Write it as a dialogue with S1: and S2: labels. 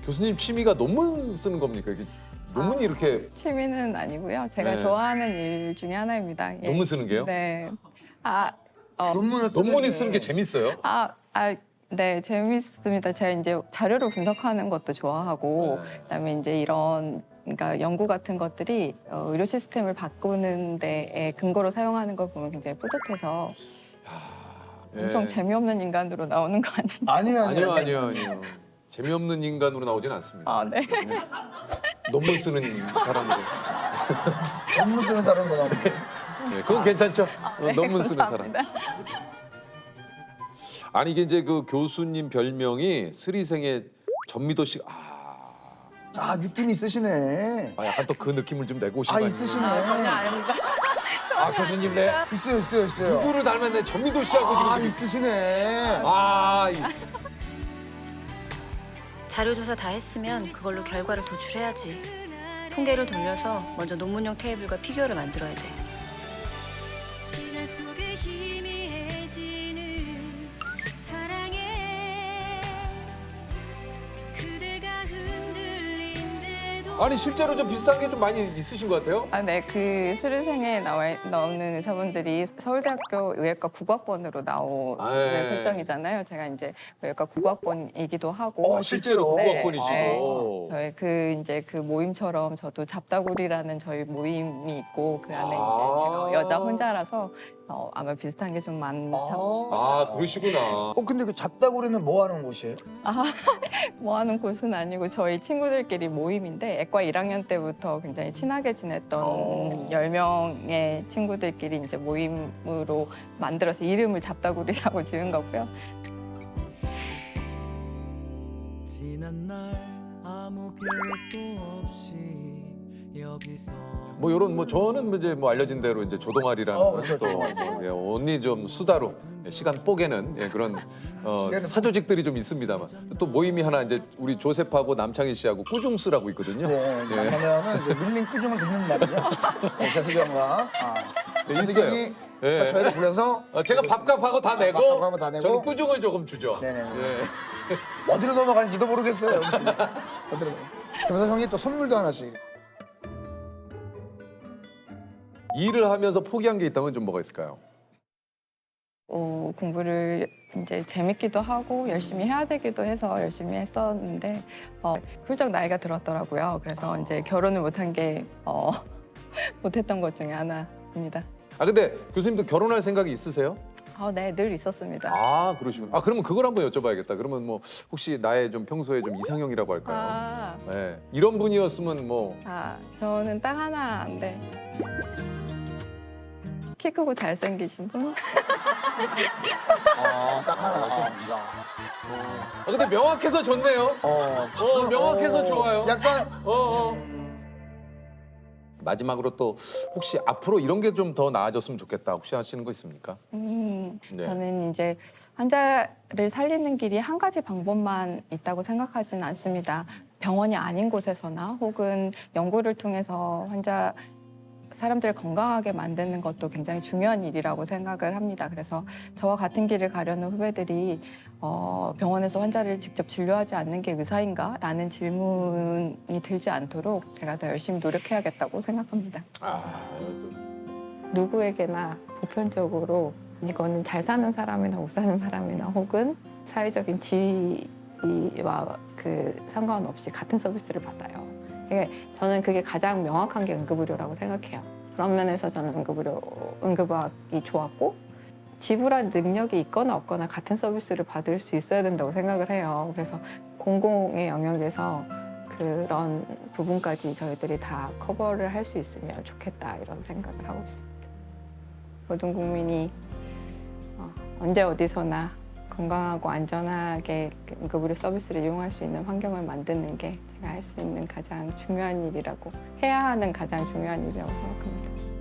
S1: 교수님 취미가 논문 쓰는 겁니까? 이게 논문이 이렇게
S2: 취미는 아니고요. 제가
S1: 네.
S2: 좋아하는 일 중에 하나입니다. 예.
S1: 논문 쓰는 게요?
S2: 네.
S1: 논문이 쓰는 게 재밌어요?
S2: 네, 재밌습니다. 제가 이제 자료를 분석하는 것도 좋아하고,
S1: 네.
S2: 그다음에 이제 이런 그러니까 연구 같은 것들이 의료 시스템을 바꾸는 데에 근거로 사용하는 걸 보면 굉장히 뿌듯해서 엄청
S1: 예.
S2: 재미없는 인간으로 나오는 거 아니에요?
S1: 아니요. 재미없는 인간으로 나오진 않습니다.
S2: 네.
S1: 논문 쓰는 사람으로.
S3: 논문 쓰는 사람도 나오고.
S1: 네, 그건 괜찮죠?
S2: 네,
S1: 논문 쓰는 사람.
S2: 감사합니다.
S1: 아니 이게 이제 그 교수님 별명이 스리생의 전미도 씨.
S3: 느낌 있으시네.
S1: 약간 또 그 느낌을 좀 내고 오신 거 아니에요?
S3: 있으시네.
S2: 전혀 아닙니다.
S1: 교수님 네.
S3: 있어요.
S1: 누구를 닮았네? 전미도 씨하고 지금.
S3: 있으시네.
S4: 자료조사 다 했으면 그걸로 결과를 도출해야지. 통계를 돌려서 먼저 논문용 테이블과 피규어를 만들어야 돼.
S5: 시간 속에 희미해지는 사랑에 그대가 흔들린데도
S1: 아니 실제로 좀 비슷한 게 좀 많이 있으신 것 같아요?
S2: 네, 그 수료생에 나오는 의사분들이 서울대학교 의학과 국악번으로 나오는
S1: 네.
S2: 설정이잖아요. 제가 이제 의학과 국악번이기도 하고.
S1: 실제로
S3: 네.
S1: 국악번이시고.
S2: 저희 그 모임처럼 저도 잡다구리라는 저희 모임이 있고 그 안에 이제 제가 여자 혼자라서 아마 비슷한 게 좀 많다.
S1: 그러시구나.
S3: 근데 그 잡다구리는 뭐 하는 곳이에요?
S2: 뭐 하는 곳은 아니고 저희 친구들끼리 모임인데 애과 1학년 때부터 굉장히 친하게 지냈던 10명의 친구들끼리 이제 모임으로 만들어서 이름을 잡다구리라고 지은 거고요.
S6: 지난 날 아무 계획도 없이 여기서
S1: 뭐 이런 저는 이제 알려진 대로 이제 조동아리라는
S3: 그렇죠,
S1: 또 언니 좀 수다로 시간 뽀개는 그런 사조직들이 좀 있습니다만 또 모임이 하나 이제 우리 조셉하고 남창희 씨하고 꾸중스라고 있거든요.
S3: 네, 이제 만나면은 이제 밀린 꾸중을 듣는 날이죠. 재석이 형과
S1: 있어요.
S3: 재석이
S1: 네.
S3: 저희를 불러서
S1: 제가 밥값하고 다 내고
S3: 밥값하고 다 내고.
S1: 저는 꾸중을 조금 주죠.
S3: 네네.
S1: 예.
S3: 어디로 넘어가는지도 모르겠어요. 어디로. 그래서 형이 또 선물도 하나씩.
S1: 일을 하면서 포기한 게 있다면 좀 뭐가 있을까요?
S2: 공부를 이제 재밌기도 하고 열심히 해야 되기도 해서 열심히 했었는데 훌쩍 나이가 들었더라고요. 그래서 이제 결혼을 못한 게 못했던 것 중에 하나입니다.
S1: 근데 교수님도 결혼할 생각이 있으세요?
S2: 네, 늘 있었습니다.
S1: 그러시구나. 그러면 그걸 한번 여쭤봐야겠다. 그러면 뭐 혹시 나의 좀 평소에 좀 이상형이라고 할까요? 네. 이런 분이었으면 뭐
S2: 저는 딱 하나인데 키 크고 잘생기신 분?
S3: 딱 하나.
S1: 근데 명확해서 좋네요. 명확해서 좋아요.
S3: 약간
S1: 마지막으로 또 혹시 앞으로 이런 게 좀 더 나아졌으면 좋겠다 혹시 하시는 거 있습니까? 네.
S2: 저는 이제 환자를 살리는 길이 한 가지 방법만 있다고 생각하지는 않습니다. 병원이 아닌 곳에서나 혹은 연구를 통해서 사람들을 건강하게 만드는 것도 굉장히 중요한 일이라고 생각을 합니다. 그래서 저와 같은 길을 가려는 후배들이 병원에서 환자를 직접 진료하지 않는 게 의사인가? 라는 질문이 들지 않도록 제가 더 열심히 노력해야겠다고 생각합니다. 누구에게나 보편적으로 이거는 잘 사는 사람이나 못 사는 사람이나 혹은 사회적인 지위와 상관없이 같은 서비스를 받아요. 저는 그게 가장 명확한 게 응급의료라고 생각해요. 그런 면에서 저는 응급의학이 좋았고 지불할 능력이 있거나 없거나 같은 서비스를 받을 수 있어야 된다고 생각을 해요. 그래서 공공의 영역에서 그런 부분까지 저희들이 다 커버를 할 수 있으면 좋겠다 이런 생각을 하고 있습니다. 모든 국민이 언제 어디서나 건강하고 안전하게 응급의료 서비스를 이용할 수 있는 환경을 만드는 게 제가 할 수 있는 가장 중요한 일이라고 해야 하는 가장 중요한 일이라고 생각합니다.